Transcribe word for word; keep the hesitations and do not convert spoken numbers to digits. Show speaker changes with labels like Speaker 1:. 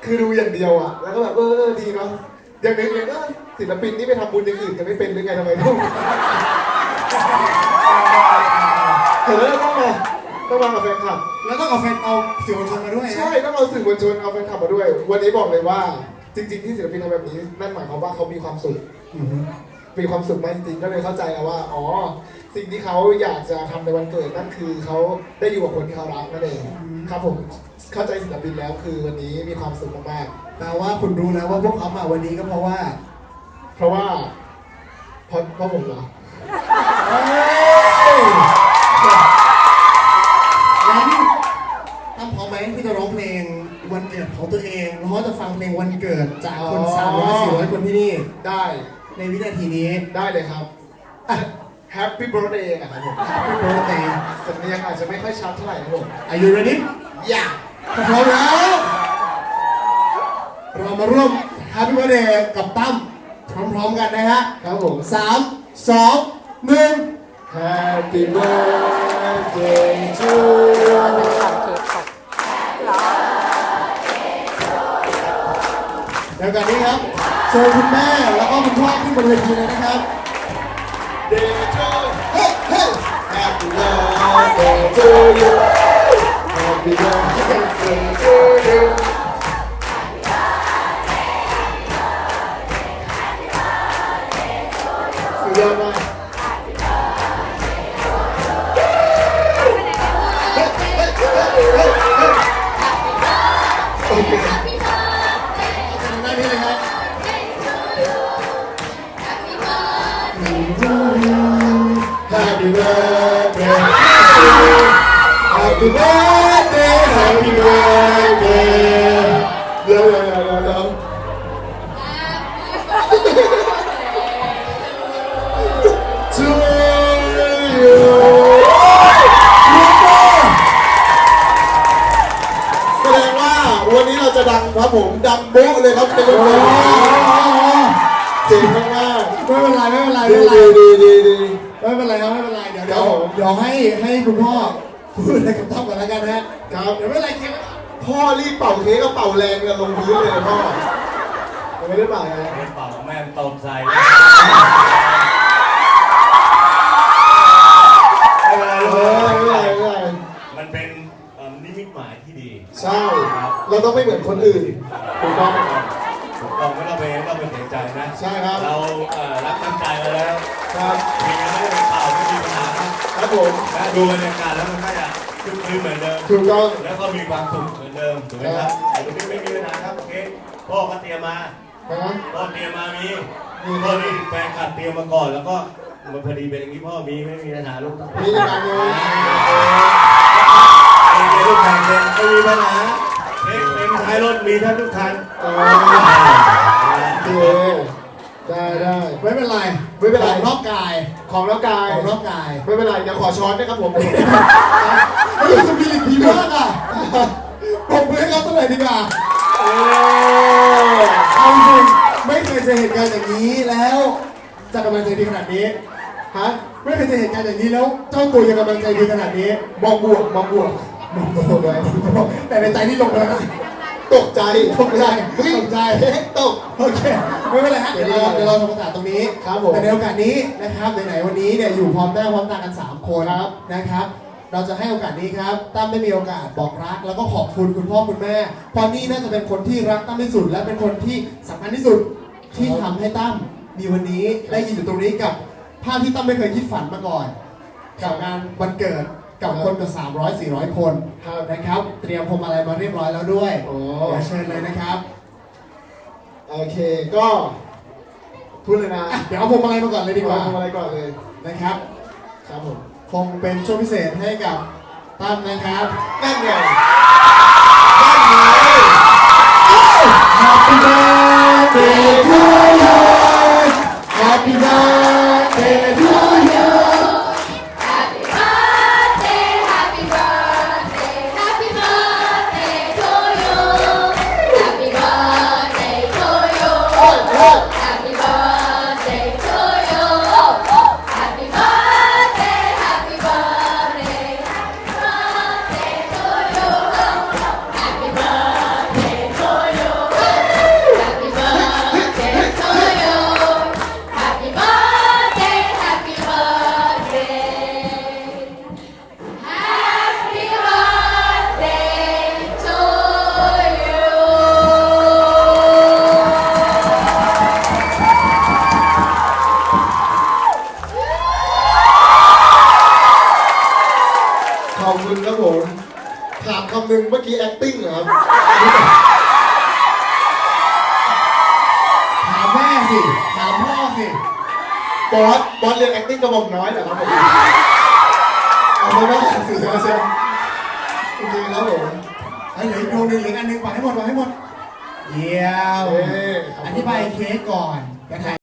Speaker 1: คือดูอย่างเดียวอ่ะแล้วก็แบบเออดีเนาะอย่างนึงเลยก็ศิลปินนี่ไปทำบุญอย่างอื่นกันไม่เป็นหรือไงทำไมต้องเห็นแล้วต้องมาต้องมากับแฟนคลับ
Speaker 2: แล้วต้องเอาแฟนเอาสื่อมวลชนมาด้วย
Speaker 1: ใช่ต้องเอาสื่อมวลชนเอาแฟนคลับมาด้วยวันนี้บอกเลยว่าจริงๆที่ศิลปินทำแบบนี้นั่นหมายความว่าเขามีความสุขมีความสุขมากจริงๆก็เลยเข้าใจแล้วว่าอ๋อสิ่งที่เขาอยากจะทำในวันเกิดนั่นคือเขาได้อยู่กับคนที่เขารักนั่นเองครับผมเข้าใจศิลปินแล้วคือวันนี้มีความสุขมาก
Speaker 2: ๆแต่ว่าคุณรู้แล้วว่าพวกเขามาวันนี้ก็เพราะว่า
Speaker 1: เพราะว่าเพราะเพราะผมเหรอ
Speaker 2: งั้นตั้มพร้อมไหมที่จะร้องเพลงวันเกิดของตัวเองแล้วจะฟังเพลงวันเกิดจากคนสามร้อยสี่ร้อยคนที่นี่
Speaker 1: ได้
Speaker 2: ในวินาทีนี้
Speaker 1: ได้เลยครับ Happy Birthday นะครับผม
Speaker 2: Happy Birthday
Speaker 1: สำเนียงอาจจะไม่ค่อยชัดเท่าไหร่ครับผม
Speaker 2: Are you ready
Speaker 1: อย่า
Speaker 2: พร้อมแล้วเรามาร่วม Happy Birthday กับตั้มพร้อมๆกันนะฮะ
Speaker 1: ครับผม
Speaker 2: สามสองหนึ่ง
Speaker 1: Happy Birthday to you
Speaker 2: เดี๋ยวกันนี้ครับเชิญคุณแม่แล้วก็คุณพ่อขึ้นบนเวทีเลยนะครับ
Speaker 1: Day to Hey Hey Happy Birthday to you Happy Birthday to you สุดยอดมากโอเค
Speaker 2: ได้นี่เลยครับ
Speaker 1: Happy birthday Happy birthday Happy birthday เดี๋ยวเดี๋ยวเดี๋ยวเดี๋ยวTo you แสดงว่าวันนี้เราจะดังครับผมดังโบ๊ะเลยครับในวันนี้เจ๋งมากๆ
Speaker 2: ไม่เป็นไรไม่เป็นไร
Speaker 1: ดีดีดีดีดี
Speaker 2: ไม่เป็นไรครับไม่เป็นไรเดี๋ยวเดี๋ยวเดี๋ยวให้ให้คุณพ่อพูดอะไรกับตั้มก่อนแล้วกันนะ
Speaker 1: ครั
Speaker 2: บเดี๋ยวไม่เป็นไรเค้ก
Speaker 1: พ่อรีบเป่าเค้กก็เป่าแรงกันลงพื้นเลยพ่อไม่ได้เป่าไง
Speaker 3: ไม่เป่าแม่ตกใจ
Speaker 1: ไม่เป็นไรไม่เป็นไรไม่เป็นไร
Speaker 3: มันเป็นนิมิตหมายที่ดี
Speaker 1: ใช่เราต้องไม่เหมือนคนอื่นถูกต้อง
Speaker 3: ถูกต้องไม่ต้องไปไม่ต้องไปเสียใจนะ
Speaker 1: ใช่ครับ
Speaker 3: เรารักตั้งใจมาแล้ว
Speaker 1: ครับ
Speaker 3: มีไม่ได้เป็นข่าวไม่มีปัญหาครับ
Speaker 1: ครับผม
Speaker 3: ดูบรรยากาศแล้วมันก็จะคึกคืนเหมือนเดิม
Speaker 1: ถูกต้อง
Speaker 3: แล้วก็มีความสุขเหมือนเดิมถูกไหมครับแต่ตรงนี้ไม่มีปัญหาครับโอเคพ่อก็เตรียมมาพ่อเตรียมมามีมีพ่อนี่แฟนคลับเตรียมมาก่อนแล้วก็มันพอดีเป็นอย่างนี้พ่อมีไม่มีปัญหาลูก
Speaker 1: มีปัญหาเลย
Speaker 3: มีลูกแข่งเล่นไม่มีปัญหาเอ็กเอ็มท้ายรถมีท่านทุกท่าน
Speaker 1: โอเคได้ได้
Speaker 2: ไม่เป็นไร
Speaker 1: ไม่เป็นไร
Speaker 2: ของนอกกาย
Speaker 1: ของนอกกาย
Speaker 2: ของนอกกาย
Speaker 1: ไม่เป็นไรเดี๋ยวขอช้อนนะครับผม
Speaker 2: ไอ้สปิริตดีมากอ่ะผมเพื่อนเขาตัวไหนดีกว่าเอาจริงไม่เคยเจอเหตุการณ์อย่างนี้แล้วจะกำลังใจดีขนาดนี้
Speaker 1: ฮะ
Speaker 2: ไม่เคยเจอเหตุการณ์อย่างนี้แล้วเจ้าตัวยังกำลังใจดีขนาดนี้
Speaker 1: มองบวกมองบวก
Speaker 2: มองบวกเลยแต่ในใจนี่ลงไปแล้วนะ
Speaker 1: ตกใจ
Speaker 2: ตกใจตกใจ
Speaker 1: ตก
Speaker 2: โอเคไม่เป็นไรฮะเดี๋ยวเราเดี๋ยวเราทำภาษาตรงนี้
Speaker 1: ครับผม
Speaker 2: แต่ในโอกาสนี้นะครับไหนๆวันนี้เนี่ยอยู่พร้อมหน้าพร้อมตากันสามคนนะครับเราจะให้โอกาสนี้ครับตั้มได้มีโอกาสบอกรักแล้วก็ขอบคุณคุณพ่อคุณแม่เพราะนี่น่าจะเป็นคนที่รักตั้มที่สุดและเป็นคนที่สำคัญที่สุดที่ทำให้ตั้มมีวันนี้ได้ยืนอยู่ตรงนี้กับภาพที่ตั้มไม่เคยคิดฝันมาก่อนกับงานวันเกิดกับคนกว่าสามร้อย สี่ร้อยคนนะครับเตรียมพวงมาลัยมาเรียบร้อยแล้วด้วย
Speaker 1: โอ้
Speaker 2: เชิญเลยนะครับ
Speaker 1: โอเคก็พูดเลยนะ
Speaker 2: เดี๋ยวเอาพวงมาลัยมาก่อนเลยดีกว่า
Speaker 1: พวงมาลัยก่อนเลย
Speaker 2: นะครับ
Speaker 1: ครับผม
Speaker 2: คงเป็นช่วงพิเศษให้กับตั้มนะครับ
Speaker 1: นั่นไง
Speaker 2: นั่นไง Happy birthday to you Happy birthday to you
Speaker 4: Happy birthday
Speaker 1: คุณครับผมถามคำหนึ่งเมื่อกี้ acting เหรอครับ
Speaker 2: ถามแม่สิถามพ่อสิ
Speaker 1: บอสบอสเรียน acting กระบอกน้อยเหรอครับผมเอาไปว่าสื่อสารเชียวโอเคครับผม
Speaker 2: ไอ้เหลืออีกดวงหนึ่งเหลืออันหนึ่งไปให้หมดไปให้หมดเยี่ยม
Speaker 1: เอ้ยขอบคุณ
Speaker 2: อธิบายเค้กก่อนจะถ่าย